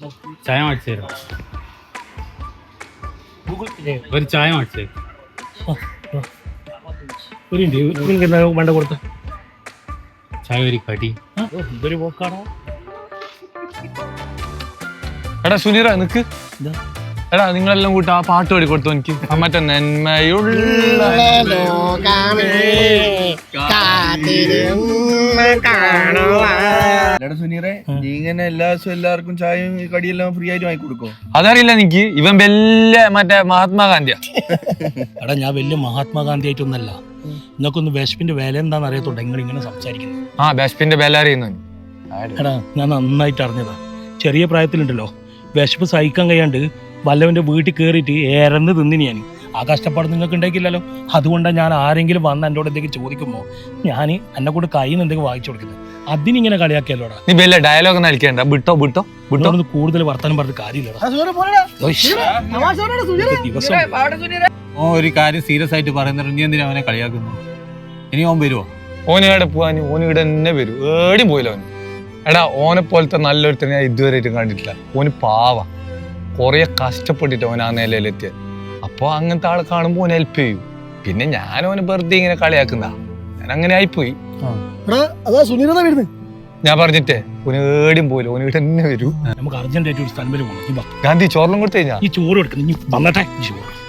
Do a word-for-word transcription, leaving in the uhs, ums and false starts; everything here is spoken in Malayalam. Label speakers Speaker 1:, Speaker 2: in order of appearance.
Speaker 1: ചായ മേടിച്ചു തരാം. ഒരു ചായ മേടിച്ചു തരും.
Speaker 2: ഒരു മിനിറ്റ് വേണ്ട കൊടുത്ത
Speaker 1: ചായ ഒരു കടി.
Speaker 2: ഇതൊരു പോക്കാണോ?
Speaker 3: എടാ സുനീറ നിക്ക്. എടാ നിങ്ങളെല്ലാം കൂട്ടി ആ പാട്ട് പാടി കൊടുത്തു എനിക്ക്. മറ്റേ നന്മയുള്ള
Speaker 4: സുനീറെ, നീ ഇങ്ങനെ എല്ലാ ദിവസവും എല്ലാവർക്കും ചായയും കടിയെല്ലാം ഫ്രീ ആയിട്ട് വാങ്ങി കൊടുക്കോ?
Speaker 3: അതറിയില്ല എനിക്ക്. ഇവൻ വലിയ മറ്റേ മഹാത്മാഗാന്ധിയാ.
Speaker 2: എടാ ഞാൻ വലിയ മഹാത്മാഗാന്ധി ആയിട്ടൊന്നല്ല. നിങ്ങൾക്കൊന്ന് വിശപ്പിന്റെ വില എന്താണെന്ന് അറിയത്തുണ്ട് നിങ്ങൾ ഇങ്ങനെ സംസാരിക്കുന്നത്.
Speaker 3: ആ വിശപ്പിന്റെ വില അറിയുന്നു.
Speaker 2: എടാ ഞാൻ നന്നായിട്ട് അറിഞ്ഞതാ. ചെറിയ പ്രായത്തിലുണ്ടല്ലോ വിശപ്പ് സഹിക്കാൻ കഴിയാണ്ട് വല്ലവന്റെ വീട്ടിൽ കയറിയിട്ട് ഏറന്ന് തിന്നിന് ഞാൻ. ആ കഷ്ടപ്പാട് നിങ്ങൾക്ക് ഉണ്ടാക്കില്ലല്ലോ. അതുകൊണ്ടാണ് ഞാൻ ആരെങ്കിലും വന്ന് എന്നോട് എന്തെങ്കിലും ചോദിക്കുമ്പോൾ ഞാൻ എന്നെ കൂടെ കയ്യിൽ നിന്ന് എന്തെങ്കിലും വാങ്ങിച്ചു കൊടുക്കുന്നത്. അതിനിങ്ങനെ കളിയാക്കിയല്ലോടാ.
Speaker 3: നീ വലിയ ഡയലോഗ് ഒന്നും അടിക്കണ്ട. വിട്ടോ വിട്ടോ വിട്ടോ.
Speaker 2: കൂടുതൽ വർത്തമാനം പറഞ്ഞിട്ട് കാര്യമില്ലടാ. ദിവസം
Speaker 5: ഓ ഒരു കാര്യം സീരിയസ് ആയിട്ട് പറയുന്നുണ്ട്. നീ എന്തിനാ അവനെ കളിയാക്കുന്നു? ഇനി ഓൻ വരുമോ?
Speaker 3: ഓന് ഇവിടെ പോവാന് ഓന് ഇവിടെ തന്നെ വരും. ഏടിയും പോയില്ല ഓന്. എടാ ഓനെ പോലത്തെ നല്ലൊരുത്തനെ ഞാൻ ഇതുവരെയായിട്ടും കണ്ടിട്ടില്ല. ഓന് പാവ കൊറേ കഷ്ടപ്പെട്ടിട്ട് ഓൻ ആ നിലയിലെത്തിയത്. അപ്പൊ അങ്ങനത്തെ ആളെ കാണുമ്പോ ഓന് ഹെൽപ്പ് ചെയ്യും. പിന്നെ ഞാൻ ഓന് വെറുതെ ഇങ്ങനെ കളിയാക്കുന്ന ഞാൻ അങ്ങനെ ആയിപ്പോയി. ഞാൻ പറഞ്ഞിട്ടേ ഓന് ഏടിയും പോയില്ല. ഓന് ഇവിടെ തന്നെ വരൂ.
Speaker 2: നമുക്ക് അർജന്റായിട്ട് ഒരു സ്ഥലം വരെ പോകണം.
Speaker 3: ഗാന്ധി ചോറിനും കൊടുത്തു കഴിഞ്ഞാ
Speaker 2: ഈ ചോറ് എടുക്കണം. നീ വന്നട്ടെ ചോറ്